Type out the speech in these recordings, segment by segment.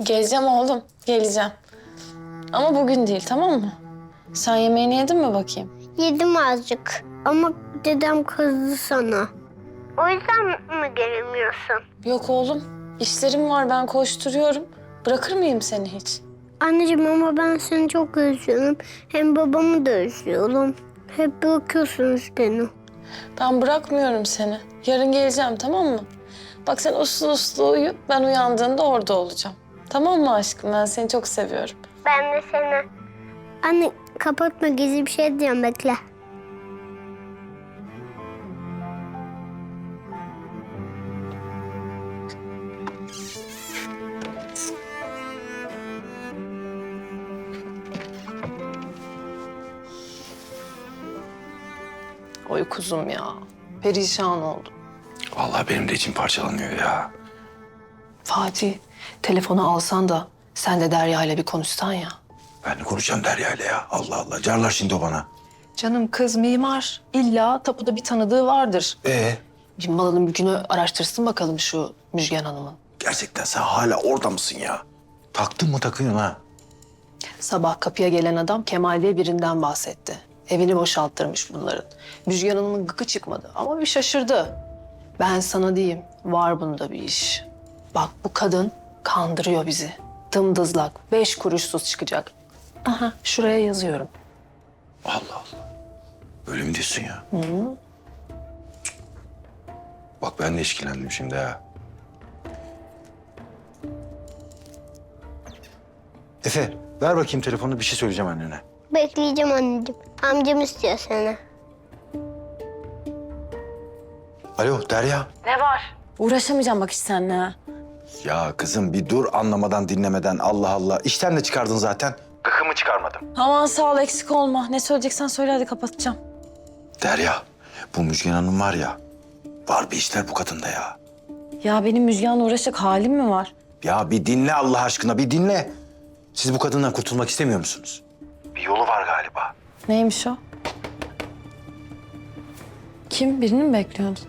Geleceğim oğlum, geleceğim. Ama bugün değil, tamam mı? Sen yemeğini yedin mi bakayım? Yedim azıcık ama dedem kızdı sana. O yüzden mi gelemiyorsun? Yok oğlum, işlerim var, ben koşturuyorum. Bırakır mıyım seni hiç? Anneciğim ama ben seni çok özlüyorum. Hem babamı da özlüyorum. Hep bırakıyorsunuz beni. Ben bırakmıyorum seni. Yarın geleceğim, tamam mı? Bak sen uslu uslu uyu, ben uyandığında orada olacağım. Tamam mı aşkım? Ben seni çok seviyorum. Ben de seni. Anne kapatma, gizli bir şey diyeceğim, bekle. Oy kuzum ya, perişan oldum. Vallahi benim de içim parçalanıyor ya. Fatih, telefonu alsan da sen de Derya ile bir konuşsan ya. Ben de konuşacağım Derya ile ya. Allah Allah. Carlar şimdi o bana. Canım kız mimar. İlla tapuda bir tanıdığı vardır. Bir malının mülkünü araştırsın bakalım şu Müjgan Hanım'ın. Gerçekten sen hala orada mısın ya? Taktın mı takıyorsun ha? Sabah kapıya gelen adam Kemal diye birinden bahsetti. Evini boşalttırmış bunların. Müjgan Hanım'ın gıkı çıkmadı ama bir şaşırdı. Ben sana diyeyim, var bunda bir iş. Bak bu kadın kandırıyor bizi. Dımdızlak, 5 kuruşsuz çıkacak. Aha, şuraya yazıyorum. Allah Allah. Öyle mi diyorsun ya? Hı. Bak ben de işkillendim şimdi ha. Efe ver bakayım telefonu, bir şey söyleyeceğim annene. Bekleyeceğim anneciğim. Amcam istiyor seni. Alo Derya. Uğraşamayacağım bak hiç seninle ha. Ya kızım bir dur, anlamadan dinlemeden, Allah Allah. İşten de çıkardın zaten. Gıkımı çıkarmadım. Aman sağ ol, eksik olma. Ne söyleyeceksen söyle, hadi kapatacağım. Derya, bu Müjgan Hanım var ya, var bir işler bu kadında ya. Ya benim Müjgan'la uğraşacak halim mi var? Ya bir dinle Allah aşkına, bir dinle. Siz bu kadından kurtulmak istemiyor musunuz? Bir yolu var galiba. Neymiş o? Kim? Birini mi bekliyordun?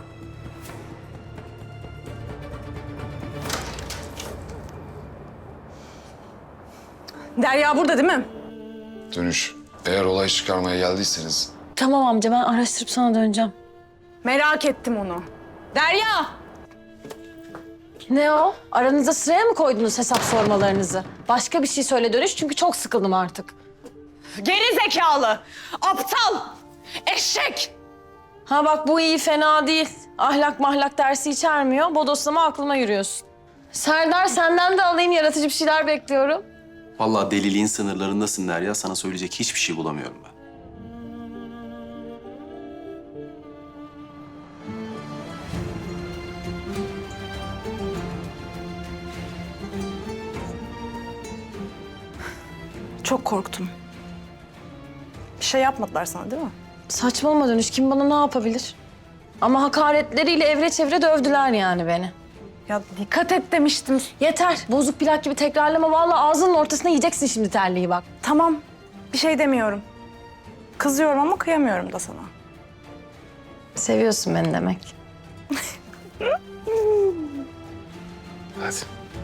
Derya burada değil mi? Dönüş. Eğer olay çıkarmaya geldiyseniz Tamam amca, ben araştırıp sana döneceğim. Merak ettim onu. Derya! Ne o? Aranızda sıraya mı koydunuz hesap sormalarınızı? Başka bir şey söyle dönüş, çünkü çok sıkıldım artık. Geri zekalı! Aptal! Eşek! Ha bak, bu iyi, fena değil. Ahlak mahlak dersi içermiyor. Bodoslama aklıma yürüyorsun. Serdar, senden de alayım, yaratıcı bir şeyler bekliyorum. Vallahi deliliğin sınırlarındasın Derya. Sana söyleyecek hiçbir şey bulamıyorum ben. Çok korktum. Bir şey yapmadılar sana değil mi? Saçmalama dönüş, kim bana ne yapabilir? Ama hakaretleriyle evre çevre dövdüler yani beni. Ya dikkat et demiştim. Yeter, bozuk plak gibi tekrarlama. Vallahi ağzının ortasına yiyeceksin şimdi terliği bak. Tamam, bir şey demiyorum. Kızıyorum ama kıyamıyorum da sana. Seviyorsun beni demek. hadi.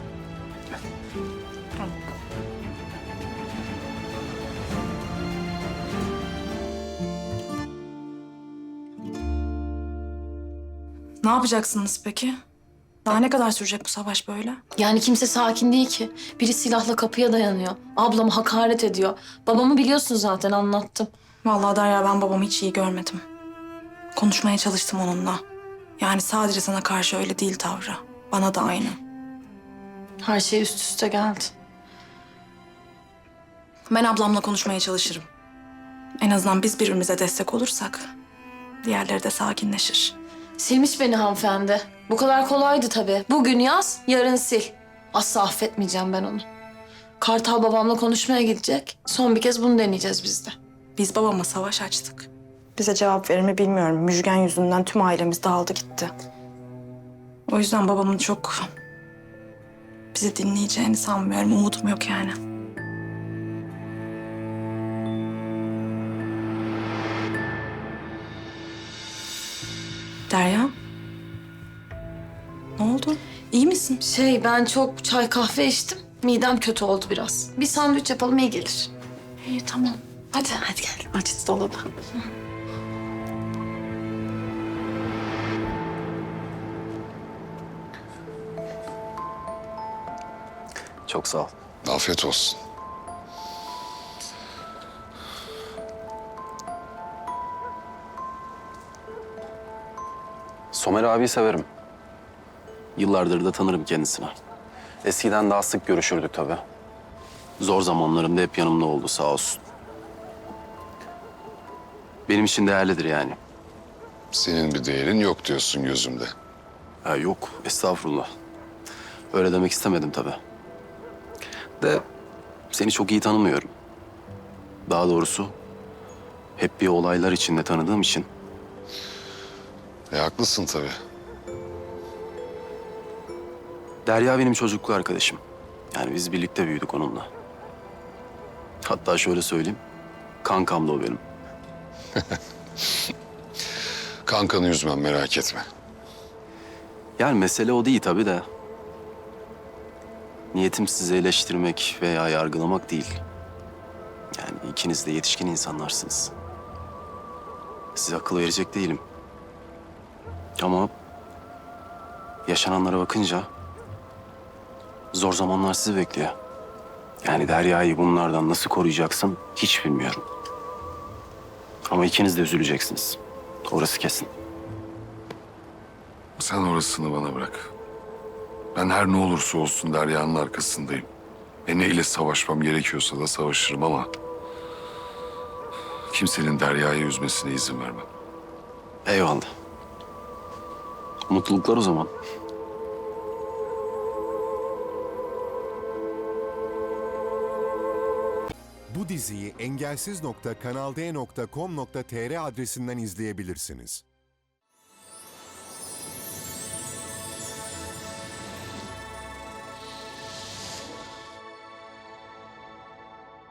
Ne yapacaksınız peki? Daha ne kadar sürecek bu savaş böyle? Yani kimse sakin değil ki. Biri silahla kapıya dayanıyor. Ablamı hakaret ediyor. Babamı biliyorsun zaten, anlattım. Vallahi Derya, ben babamı hiç iyi görmedim. Konuşmaya çalıştım onunla. Yani sadece sana karşı öyle değil tavrı. Bana da aynı. Her şey üst üste geldi. Ben ablamla konuşmaya çalışırım. En azından biz birbirimize destek olursak diğerleri de sakinleşir. Silmiş beni hanımefendi. Bu kadar kolaydı tabii. Bugün yaz, yarın sil. Asla affetmeyeceğim ben onu. Kartal babamla konuşmaya gidecek. Son bir kez bunu deneyeceğiz biz de. Biz babama savaş açtık. Bize cevap verir mi bilmiyorum. Müjgan yüzünden tüm ailemiz dağıldı gitti. O yüzden babamın çok bizi dinleyeceğini sanmıyorum. Umudum yok yani. Derya? Ne oldu? İyi İyi misin? Ben çok çay kahve içtim. Midem kötü oldu biraz. Bir sandviç yapalım iyi gelir. İyi tamam. Hadi gel. Aç dolabı. Çok sağ ol. Afiyet olsun. Somer abiyi severim. Yıllardır da tanırım kendisini. Eskiden daha sık görüşürdük tabii. Zor zamanlarımda hep yanımda oldu sağ olsun. Benim için değerlidir yani. Senin bir değerin yok diyorsun gözümde. Ha, yok, estağfurullah. Öyle demek istemedim tabii. De seni çok iyi tanımıyorum. Daha doğrusu hep bir olaylar içinde tanıdığım için. Haklısın tabii. Derya benim çocukluk arkadaşım. Yani biz birlikte büyüdük onunla. Hatta şöyle söyleyeyim, kankam da o benim. Kankanı üzmem merak etme. Yani mesele o değil tabii de. Niyetim sizi eleştirmek veya yargılamak değil. Yani ikiniz de yetişkin insanlarsınız. Size akıl verecek değilim. Ama yaşananlara bakınca zor zamanlar sizi bekliyor. Yani Derya'yı bunlardan nasıl koruyacaksın hiç bilmiyorum. Ama ikiniz de üzüleceksiniz. Orası kesin. Sen orasını bana bırak. Ben her ne olursa olsun Derya'nın arkasındayım. Neyle savaşmam gerekiyorsa da savaşırım ama... kimsenin Derya'yı üzmesine izin vermem. Eyvallah. Mutluluklar o zaman. Bu diziyi engelsiz.kanalde.com.tr adresinden izleyebilirsiniz.